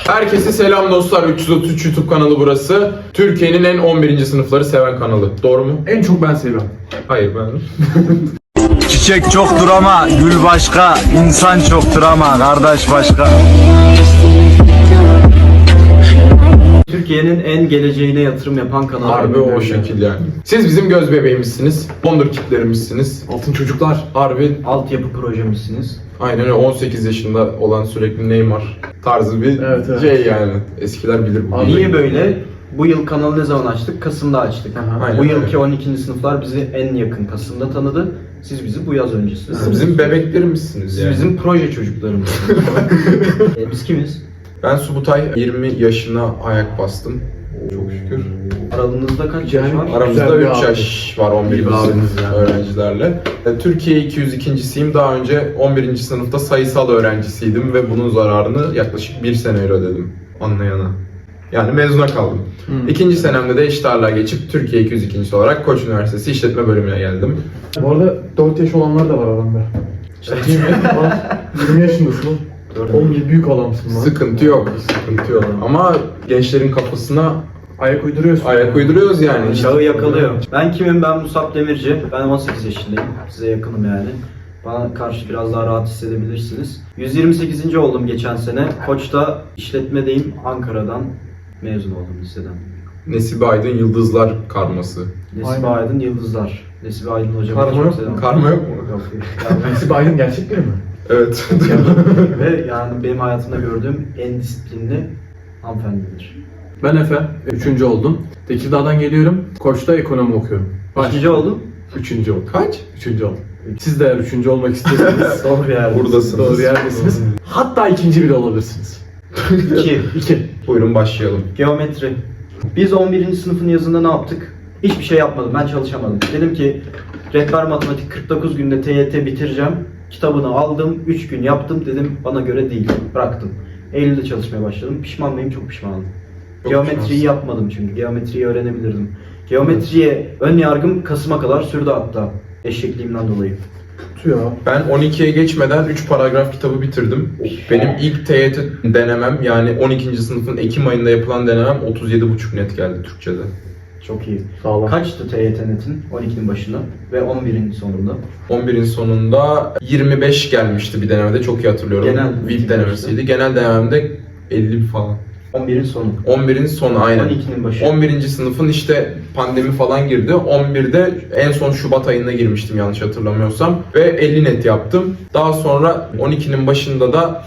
Herkese selam dostlar. 333 YouTube kanalı burası. Türkiye'nin en 11. sınıfları seven kanalı. Doğru mu? En çok ben seviyorum. Hayır, ben. Çiçek çoktur ama gül başka, insan çoktur ama kardeş başka. Türkiye'nin en geleceğine yatırım yapan kanalı. Harbi o şekil yani. Siz bizim göz bebeğimizsiniz. Wonderkid'lerimizsiniz. Altın çocuklar. Harbi Altyapı projemizsiniz. aynen öyle 18 yaşında olan sürekli Neymar tarzı bir Evet. şey yani. Eskiler bilir bu. Niye böyle? Bu yıl kanalı ne zaman açtık? Kasım'da açtık. Aynen Bu öyle. yılki 12. sınıflar bizi en yakın Kasım'da tanıdı. Siz bizi bu yaz öncesiniz. Siz bizim bebeklerimizsiniz Siz yani. bizim proje çocuklarımız. Biz kimiz? Ben Subutay 20 yaşına ayak bastım. Çok şükür. Aralığınızda kaç Yani yaş var? Aramızda Güzel bir 3 abi. yaş var 11. İyi bir sınıf abimiz yani. öğrencilerle. Türkiye 202.siyim. Daha önce 11. sınıfta sayısal öğrencisiydim ve bunun zararını yaklaşık 1 sene ödedim anlayana. Yani mezuna kaldım. İkinci senemde de eşit ağırlığa geçip Türkiye 202.si olarak Koç Üniversitesi İşletme Bölümüne geldim. Bu arada 4 yaş olanlar da var aramda. İşte 20 yaşındasın oğlum. Oğlum büyük adamsın lan. Sıkıntı yok, sıkıntı yok. Ama gençlerin kafasına Ayak uyduruyorsun. ayak uyduruyoruz yani. Çağı yakalıyor. Ben kimim? Ben Musab Demirci. Ben 18 yaşındayım. Size yakınım yani. Bana karşı biraz daha rahat hissedebilirsiniz. 128. oldum geçen sene. Koç'ta işletmedeyim. Ankara'dan mezun oldum liseden. Nesibe Aydın Yıldızlar karması. Nesibe Aynen. Aydın Yıldızlar. Nesibe Aydın hocam. Karma yok mu? Karma yok mu? Yok. Mesut Aydın gerçek biri mi? Evet. Ve yani benim hayatımda gördüğüm en disiplinli hanımefendidir. Ben Efe. 3. oldum. Tekirdağ'dan geliyorum. Koç'ta ekonomi okuyorum. Kaçıncı oldum? 3. oldum. Kaç? 3. oldum. Siz de eğer 3. olmak istiyorsanız Doğru yerde. Buradasınız. doğru yerdesiniz. Hatta 2. bile olabilirsiniz. 2. 2. Buyurun başlayalım. Geometri. Biz 11. sınıfın yazında ne yaptık? Hiçbir şey yapmadım. Ben çalışamadım. Dedim ki rehber matematik 49 günde TYT bitireceğim. Kitabını aldım. 3 gün yaptım. Dedim bana göre değil. Bıraktım. Eylül'de çalışmaya başladım. Pişman mıyım? Çok pişmanım. Çok Geometriyi pişmansın. yapmadım çünkü. Geometriyi öğrenebilirdim. Geometriye ön yargım Kasım'a kadar sürdü hatta. Eşekliğimden dolayı. Ya. Ben 12'ye geçmeden 3 paragraf kitabı bitirdim. Benim ilk TYT denemem yani 12. sınıfın Ekim ayında yapılan denemem 37,5 net geldi Türkçe'de. Çok iyi. Sağlam. Kaçtı TYT netin? 12'nin başında ve 11'in sonunda. 11'in sonunda 25 gelmişti bir denemede, çok iyi hatırlıyorum. Genel VIP denemesiydi. Genel denememde 50 falan. 11'in sonu. 11'in sonu aynen. 12'nin başı. 11. sınıfın işte pandemi falan girdi. 11'de en son Şubat ayında girmiştim yanlış hatırlamıyorsam. Ve 50 net yaptım. Daha sonra 12'nin başında da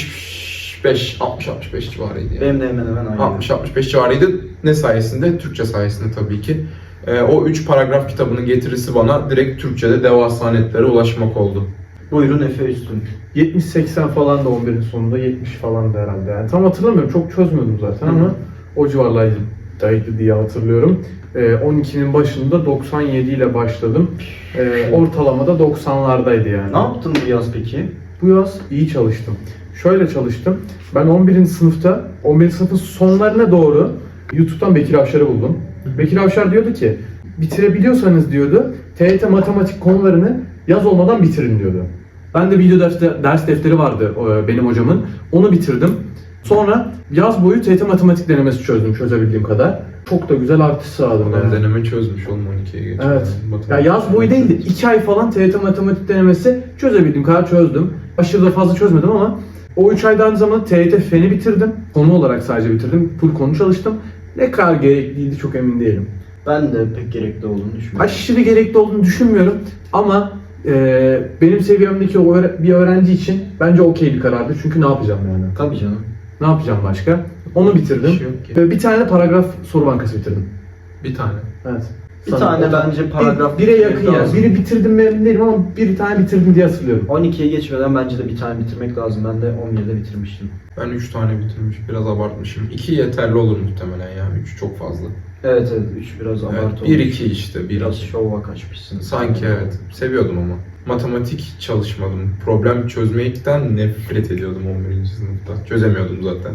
60-65 civarıydı yani. Benim de hemen hemen aynı. 60-65 civarıydı. Ne sayesinde? Türkçe sayesinde tabii ki. O 3 paragraf kitabının getirisi bana direkt Türkçe'de devasa netlere ulaşmak oldu. Buyurun Efe Üstün. 70-80 falan da 11'in sonunda 70 falan da herhalde yani. Tam hatırlamıyorum, çok çözmüyordum zaten ama o civarlardaydı diye hatırlıyorum. 12'nin başında 97 ile başladım. Ortalamada 90'lardaydı yani. Ne yaptın bu yaz peki? Bu yaz iyi çalıştım. Şöyle çalıştım. Ben 11. sınıfta, 11. sınıfın sonlarına doğru YouTube'dan Bekir Avşar'ı buldum. Bekir Avşar diyordu ki, bitirebiliyorsanız diyordu, TYT matematik konularını yaz olmadan bitirin diyordu. Ben de ders defteri vardı benim hocamın. Onu bitirdim. Sonra yaz boyu TYT matematik denemesi çözdüm çözebildiğim kadar. Çok da güzel artış sağladım Ben yani. deneme çözmüş oldum 12'ye geçmeden. Evet. Matematik. Ya yaz boyu değil de 2 ay falan TYT matematik denemesi çözebildiğim kadar çözdüm. Aşırı da fazla çözmedim ama o 3 ayda aynı zamanda TYT feni bitirdim. Konu olarak sadece bitirdim. Full konu çalıştım. Ne kadar gerekliydi çok emin değilim. Ben de pek gerekli olduğunu düşünmüyorum. Aşırı gerekli olduğunu düşünmüyorum ama benim seviyemdeki bir öğrenci için bence okey bir karardı. Çünkü ne yapacağım yani? Tabii canım. Ne yapacağım başka? Onu bitirdim. Bir şey yok ki. Ve bir tane de paragraf soru bankası bitirdim. Bir tane. Evet. Bir tane bence paragraf Bire yakın yani. lazım. Biri bitirdim mi emin değilim ama bir tane bitirdim diye hatırlıyorum. 12'ye geçmeden bence de bir tane bitirmek lazım. Ben de 11'de bitirmiştim. Ben 3 tane bitirmiş, biraz abartmışım. 2 yeterli olur muhtemelen ya, 3 çok fazla. Evet 3 biraz abartı Evet, olmuş. 1-2 işte, Biraz 1-2. şova kaçmışsın. Sanki evet, seviyordum ama. Matematik çalışmadım. Problem çözmekten nefret ediyordum 11. sınıfta. Çözemiyordum zaten.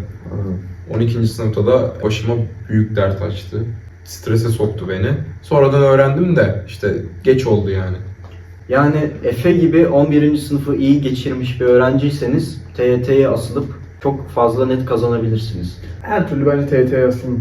12. sınıfta da başıma büyük dert açtı. Strese soktu beni. Sonradan öğrendim de işte geç oldu yani. Yani Efe gibi 11. sınıfı iyi geçirmiş bir öğrenciyseniz TYT'ye asılıp çok fazla net kazanabilirsiniz. Her türlü bence TYT yazın.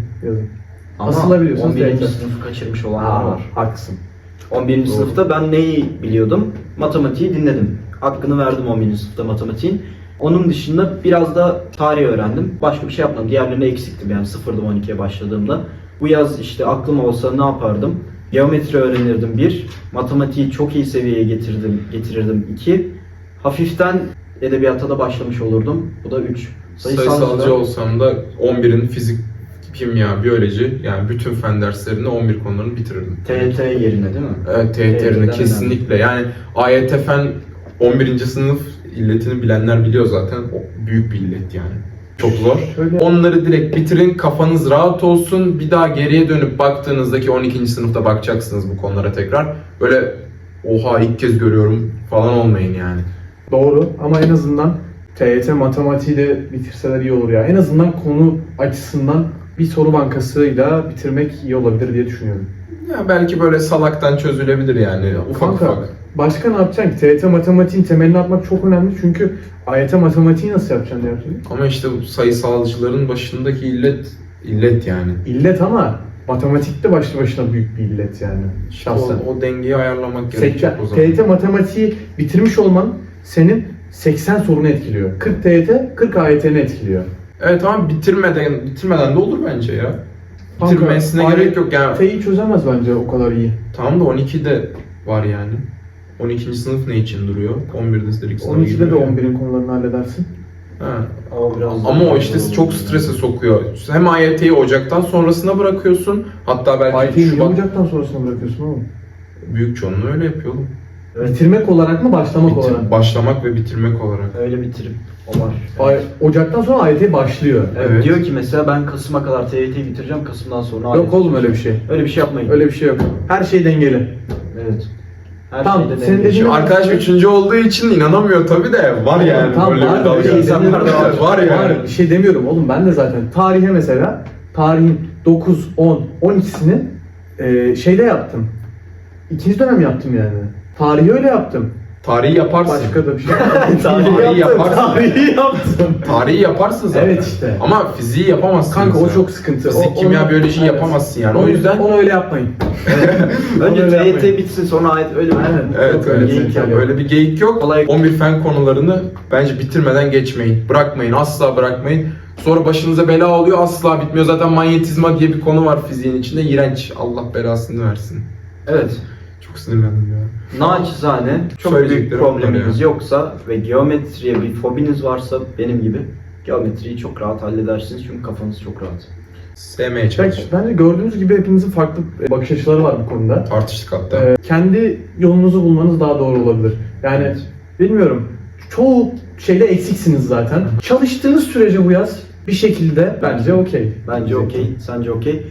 Ama Asılabiliyorsunuz 11. TYT. sınıfı kaçırmış olanlar var. Haklısın. 11. Doğru. sınıfta ben neyi biliyordum? Matematiği dinledim. Hakkını verdim 11. sınıfta matematiğin. Onun dışında biraz da tarih öğrendim. Başka bir şey yapmadım. Diğerlerine eksiktim yani 0'dım 12'ye başladığımda. Bu yaz işte aklım olsa ne yapardım? Geometri öğrenirdim 1. Matematiği çok iyi seviyeye getirirdim 2. Hafiften edebiyata da başlamış olurdum. Bu da 3. Sayısalcı olsam da 11'in fizik, kimya, biyoloji yani bütün fen derslerini 11 konularını bitirirdim. TYT yerine değil mi? Evet, TYT'lerini TYT'den kesinlikle. Yani AYT fen 11. sınıf illetini bilenler biliyor zaten. O büyük bir illet yani. Çok zor. Şöyle- Onları direkt bitirin, kafanız rahat olsun. Bir daha geriye dönüp baktığınızdaki 12. sınıfta bakacaksınız bu konulara tekrar. Böyle oha ilk kez görüyorum falan olmayın yani. Doğru ama en azından TYT matematiği de bitirseler iyi olur ya. En azından konu açısından bir soru bankasıyla bitirmek iyi olabilir diye düşünüyorum. Ya belki böyle salaktan çözülebilir yani ufak Kanka, ufak. başka ne yapacaksın ki? TYT matematiğin temelini atmak çok önemli çünkü AYT matematiği nasıl yapacaksın diye. Ama işte bu sayısalcıların başındaki illet yani. İllet ama matematikte başlı başına büyük bir illet yani. Şahsen. O dengeyi ayarlamak gerekecek o zaman. TYT matematiği bitirmiş olman senin 80 sorunu etkiliyor. 40 TYT, 40 AYT'ni etkiliyor. Evet ama bitirmeden de olur bence ya. Kanka, Bitirmesine gerek yok yani. AYT'yi çözemez bence o kadar iyi. Tamam da 12'de var yani. 12. sınıf ne için duruyor? 11'de direkt sınava 12'de de giriyor yani. 11'in konularını halledersin. Ha. Biraz Ama o işte çok strese sokuyor. Hem AYT'yi Ocak'tan sonrasına bırakıyorsun. Hatta belki AYT'yi niye Şubat. Ocak'tan sonrasına bırakıyorsun oğlum? Büyük çoğunluğu öyle yapıyor oğlum. Bitirmek olarak mı, başlamak olarak? Başlamak ve bitirmek olarak. Öyle bitirip o var. Ocak'tan sonra AYT başlıyor. Evet. Diyor ki mesela ben Kasım'a kadar TYT'yi bitireceğim. Kasım'dan sonra Yok oğlum öyle bir şey. Öyle bir şey yapmayın. Öyle bir şey yok. Her şey dengeli. Evet. Her Tamam, şeyde senin denge. dediğin- Şimdi arkadaş 3. olduğu için inanamıyor tabii de var yani Tamam, böyle var, bir dalga. öyle İnsanlar da var. Var yani. Bir şey demiyorum oğlum, ben de zaten tarihe mesela tarihin 9, 10, 12'sini şeyde yaptım. İkinci dönem yaptım yani. Tarihi öyle yaptım. Tarihi yaparsın. Başka da bir şey. Tarihi yaparsın. Tarihi yaptım. Tarihi yaparsın zaten. Evet işte. Ama fiziği yapamazsın. Kanka o mesela. çok sıkıntı. Fizik, kimya, biyoloji yapamazsın yani. O yüzden onu öyle yapmayın. Önce Onu öyle TYT yapmayın. bitsin sonra ayet öyle mi? Aynen. evet, Yok öyle, geyik yok. öyle bir geyik yok. Kolay- 11 fen konularını bence bitirmeden geçmeyin. Bırakmayın, asla bırakmayın. Sonra başınıza bela oluyor, asla bitmiyor. Zaten manyetizma diye bir konu var fiziğin içinde. İğrenç. Allah belasını versin. Evet. Çok sinirlendim ya. Naçizane çok büyük Söyleyeceklerim bunlar probleminiz ya. yoksa ve geometriye bir fobiniz varsa benim gibi geometriyi çok rahat halledersiniz çünkü kafanız çok rahat. Sevmeye çalışın. Bence gördüğünüz gibi hepinizin farklı bakış açıları var bu konuda. Tartıştık hatta. Kendi yolunuzu bulmanız daha doğru olabilir. Yani bilmiyorum. Çoğu şeyde eksiksiniz zaten. Çalıştığınız sürece bu yaz bir şekilde bence okey. Bence okey, sence okey.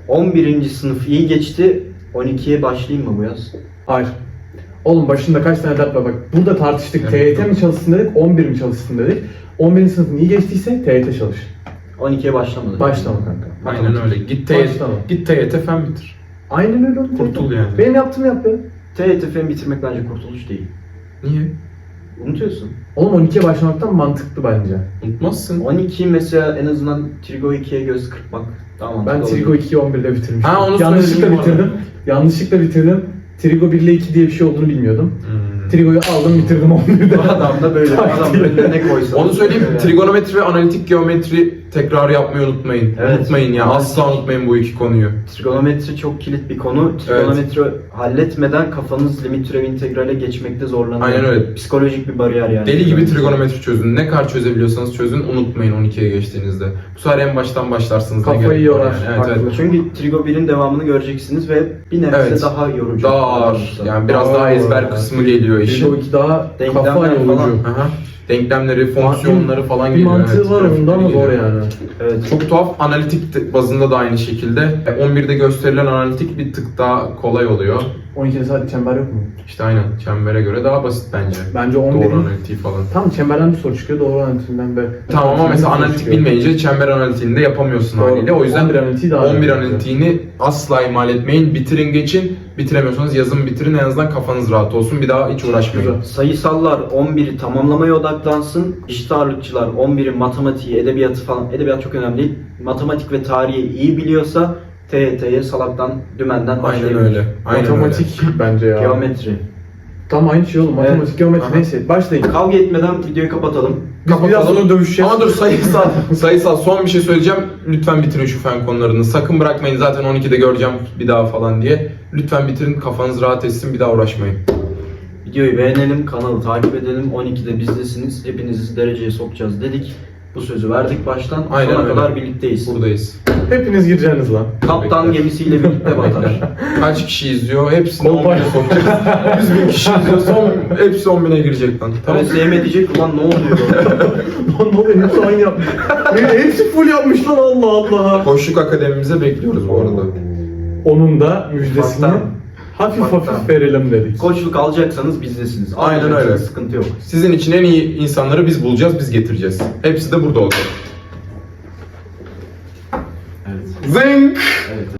11. sınıf iyi geçti. 12'ye başlayayım mı bu yaz? Hayır. Oğlum başında kaç tane dert var bak. Burada tartıştık. Evet. TYT mi çalışsın dedik, 11 mi çalışsın dedik. 11. sınıfın iyi geçtiyse TYT çalış. 12'ye başlamadı. Başlama kanka. Aynen öyle. Git Başlama. TYT fen bitir. Aynen öyle oğlum. Kurtul yani. Benim yaptığımı yap be. TYT fen bitirmek bence kurtuluş değil. Niye? Unutuyorsun. Oğlum 12'ye başlamaktan mantıklı bence. Unutmazsın. 12 mesela en azından Trigo 2'ye göz kırpmak daha mantıklı Ben Trigo olur. 2'yi 11'de bitirmiştim. Ha, onu Yanlışlıkla söyledim bu bitirdim. Yanlışlıkla bitirdim. Trigo 1 ile 2 diye bir şey olduğunu bilmiyordum. Trigo'yu aldım bitirdim 11'de. Bu adam da böyle. Adam önüne ne koysa. Onu söyleyeyim. Trigonometri ve analitik geometri tekrar yapmayı unutmayın. Evet. Unutmayın ya. Asla unutmayın bu iki konuyu. Trigonometri çok kilit bir konu. Trigonometri halletmeden kafanız limit türev integrale geçmekte zorlanıyor. Aynen öyle. Psikolojik bir bariyer yani. Deli gibi trigonometri çözün. Ne kadar çözebiliyorsanız çözün. Unutmayın 12'ye geçtiğinizde. Bu sefer en baştan başlarsınız. Ne Kafayı gerek var yorar. yani. Evet, Haklı. evet. Çünkü Trigo 1'in devamını göreceksiniz ve bir nebze Evet. daha yorucu. Daha ağır. Yani biraz Daha daha ağır. ezber kısmı geliyor işin. Trigo 2 daha Denklemler kafa falan. yorucu. Aha. Denklemleri, fonksiyonları falan Bir geliyor. mantığı evet. var onda ama Geliyor. zor yani. Evet. Çok tuhaf. Analitik bazında da aynı şekilde. 11'de gösterilen analitik bir tık daha kolay oluyor. 12'de sadece çember yok mu? İşte aynen çembere göre daha basit bence. Bence Doğru 11'in... analitiği falan. Tam çemberden bir soru çıkıyor, doğru analitiğinden ve... Tamam ama mesela soru analitik çıkıyor. bilmeyince çember analitiğini de yapamıyorsun Doğru. haliyle. O yüzden 11 analitiği daha 11 önemli. analitiğini asla ihmal etmeyin. Bitirin geçin. Bitiremiyorsanız yazın bitirin. En azından kafanız rahat olsun. Bir daha hiç uğraşmayın. Güzel. Sayısallar 11'i tamamlamaya odaklansın. Eşit ağırlıkçılar 11'i matematiği, edebiyatı falan. Edebiyat çok önemli değil. Matematik ve tarihi iyi biliyorsa TYT'ye salaktan, dümenden Aynen başlayabilir. öyle. Aynen Matematik bence ya. Geometri. Tam aynı şey oğlum. Matematik, Evet. geometri Aha. neyse. Başlayın. Kavga etmeden videoyu kapatalım. Biz biraz sonra dövüşeceğiz. Ama dur sayısal son bir şey söyleyeceğim. Lütfen bitirin şu fen konularını. Sakın bırakmayın zaten 12'de göreceğim bir daha falan diye. Lütfen bitirin, kafanız rahat etsin, bir daha uğraşmayın. Videoyu beğenelim, kanalı takip edelim. 12'de bizdesiniz. Hepinizi dereceye sokacağız dedik. Bu sözü verdik baştan. Aynen Sona öyle. kadar birlikteyiz. Buradayız. Hepiniz gireceğiniz lan. Kaptan gemisiyle birlikte batar. Kaç kişi izliyor? Hepsini Kolpay. 10.000'e sokacağız. 100 bin kişi izliyor. Hepsi 10.000'e girecek lan. Tamam. Tamam. diyecek ulan ne oluyor? Lan ne oluyor? Hepsi aynı yapmış. Hepsi full yapmış lan, Allah Allah. Koçluk Akademimize bekliyoruz bu arada. Onun da müjdesini Ufaktan. hafif Ufaktan. hafif verelim dedik. Koçluk alacaksanız bizdesiniz. Aynen Almayacaksanız öyle. Sıkıntı yok. Sizin için en iyi insanları biz bulacağız, biz getireceğiz. Hepsi de burada olacak. Evet. Zing! Evet.